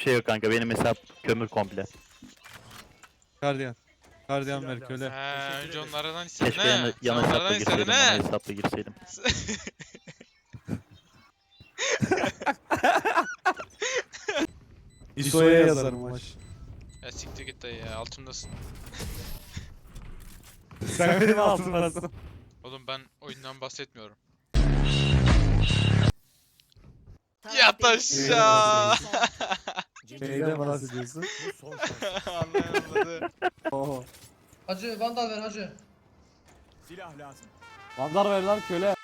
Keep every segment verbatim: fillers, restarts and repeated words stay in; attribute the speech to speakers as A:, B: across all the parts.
A: şey yok kanka. Benim hesap kömür komple.
B: Gardiyan. Gardiyan ver köle.
C: He, önce onlardan istedin
A: Keşke yan,
C: he. Sen
A: yan
C: onlardan
A: hesapla
C: istedin
A: girseydim. Ana
C: he.
A: hesapla girseydim.
B: İso'ya yazarım maç.
C: Ya siktir git dayı ya, altımdasın.
B: Sen benim altımdasın.
C: Oğlum ben oyundan bahsetmiyorum. Yat aşağı.
B: Neyden bahsediyorsun?
C: Anlayamadı.
B: Oho.
D: Hacı vandal ver hacı.
E: Silah lazım.
B: Vandar ver lan köle.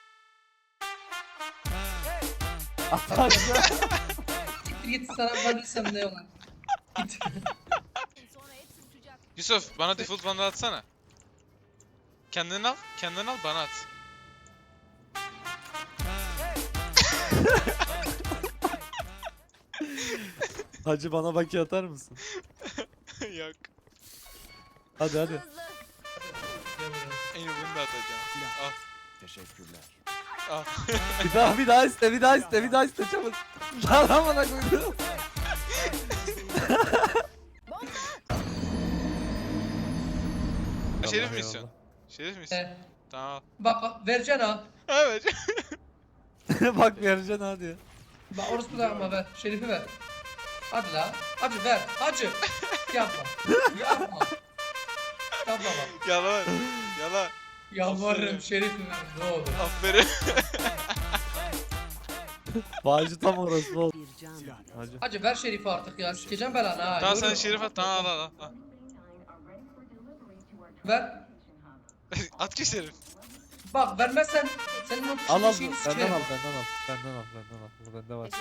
D: Siktir git sana vandalsam ne olan. Git.
C: Yusuf bana default bana atsana. Kendini al, kendini al bana at.
B: Hacı bana baki atar mısın?
C: Yok.
B: Hadi hadi.
C: En iyi bunu da atacağım. Al,
E: Teşekkürler.
C: al.
B: Bir daha bir daha iste bir daha iste bir daha iste çabuk. Lan amına koydum.
C: Şerif misin? Şerif misin?
D: He.
C: Tamam.
D: Bak bak vereceksin ha.
C: Evet.
B: Bak vereceksin hadi.
D: Bak orospu da ama ver. Şerifi ver. Hadi la. Hacı ver. Hacı. Yapma. Yapma. Yapma bak.
C: Yalan. Yalan.
D: Yalvarırım şerifi ver. Ne olur.
C: Aferin.
B: Bağcı tam orası oldu.
E: Silah lazım.
B: Hacı.
D: Hacı ver şerifi artık ya. Sikeceğim belanı ha.
C: Tamam sen
D: Yürü.
C: Şerif at. Tamam al al al.
D: Ver.
C: At ki Şerif.
D: Bak vermezsen senin o
B: Al al
D: şeyini
B: benden
D: sikerim.
B: al benden al. Benden al benden al. Bu bende var.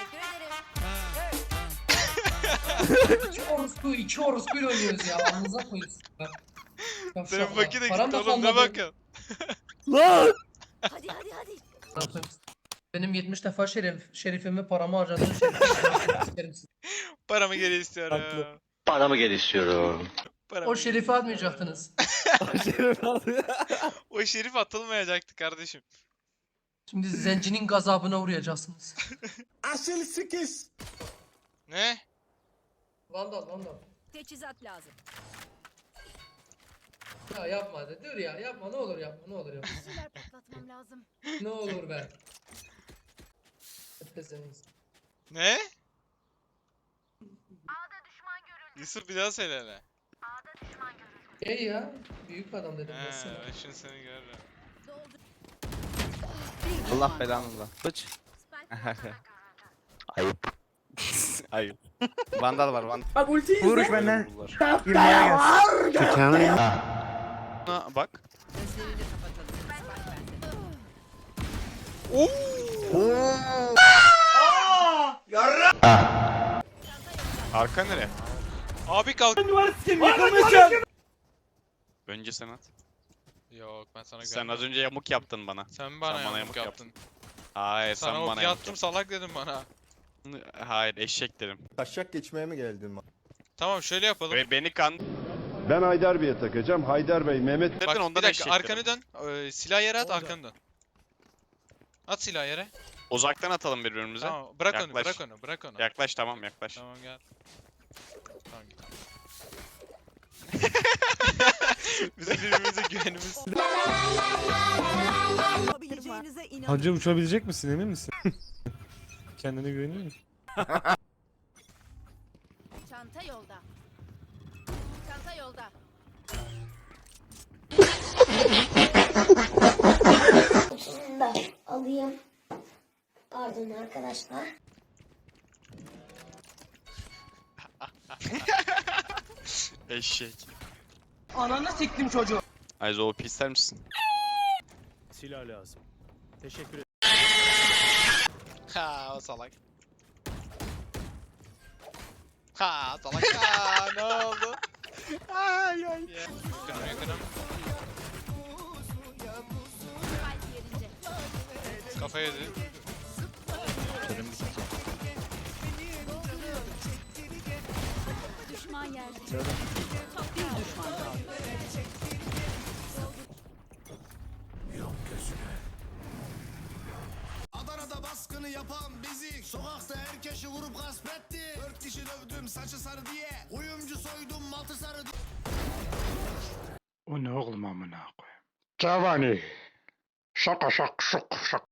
D: İki orospu, iki orospuyla oynuyoruz ya. Anınıza koyuyoruz. Ya
C: Senin
D: şu
C: vakit de
D: param
C: gitti
D: da
C: oğlum ne
D: kalmadı.
C: bakın.
B: Lan!
F: Hadi hadi hadi.
D: Benim yetmiş defa şerif, şerifimi paramı harcadığım şerifimi sikerim sizi.
C: Paramı geri istiyorum.
B: Haklı.
A: Paramı geri istiyorum.
C: Paramı
D: O
C: geri
D: şerifi
C: istiyorum.
D: atmayacaktınız.
B: Şerif aldı.
C: O Şerif atılmayacaktı kardeşim.
D: Şimdi zencinin gazabına uğrayacaksınız.
E: Asıl sikiş.
C: Ne?
D: Vandal, vandal.
F: Teçhizat lazım.
D: Ya yapma hadi. Dur ya yapma ne olur yapma ne olur yapma.
F: Silah patlatmam lazım.
D: Ne olur be. Öpeseniz.
C: Ne? Yusuf bir daha söyle hele.
D: Ey ya. Büyük adam dedim
C: He,
D: mesela.
C: ben şimdi seni görürüm.
F: Doldur.
G: Allah belanı da. Bıç.
F: Spike.
A: Ayıp.
G: Ayıp. Vandal var vandal.
H: Bak ulti izle.
G: Vuruş benden.
H: Girmeye gel.
G: Bak.
F: Gözlerini kapatalım.
G: Arka nere?
C: Abi kalk.
G: Önce sen at.
C: Yok ben sana
G: Sen
C: görmedim.
G: az önce yamuk yaptın bana.
C: Sen bana,
G: sen bana
C: yamuk
G: yamuk
C: yaptın.
G: Hayır
C: Sana
G: sen
C: o
G: bana
C: bir
G: yamuk
C: attım salak dedim bana.
G: yaptın. Hayır eşek derim.
I: Taşak geçmeye mi geldin?
C: Tamam şöyle yapalım.
G: Ve beni kan...
J: Ben Haydar Bey'e takacağım. Haydar Bey, Mehmet
C: Bak
G: ondan
C: bir dakika
G: eşek
C: arkanı
G: derim.
C: dön. Ee, silah yere at arkanı dön. At silah yere.
G: Uzaktan atalım birbirimize.
C: Tamam bırak onu
G: Yaklaş.
C: bırak onu bırak onu.
G: Yaklaş tamam yaklaş.
C: Tamam gel. Tamam git. Bizim birbirimize güvenimiz.
F: Yapabileceğinize inan.
B: Hacı uçabilecek misin emin misin? Kendine güveniyor musun?
F: Çanta yolda. Çanta yolda.
K: Şunu da alayım. Pardon arkadaşlar.
G: Eşek.
H: Ananı siktim çocuğu.
G: Ayzo O P ister misin?
E: Silah lazım. Teşekkür ederim.
C: Ha o salak. Ha salak. Ha ne oldu? Ay ay. Yakınım yakınım.
F: Spike yerince.
C: Kafa yedi.
A: Körüm gitti.
F: Düşman yerde. Bir düşman kaldı.
E: Adana'da baskını yapan bizi. Sokakta herkesi vurup gasp etti. Dört kişi dövdüm saçı sarı diye. Uyumcu soydum altı sarı diye.
J: O ne oğlum amına koyayım? Cavani. Şaka şak şok şak.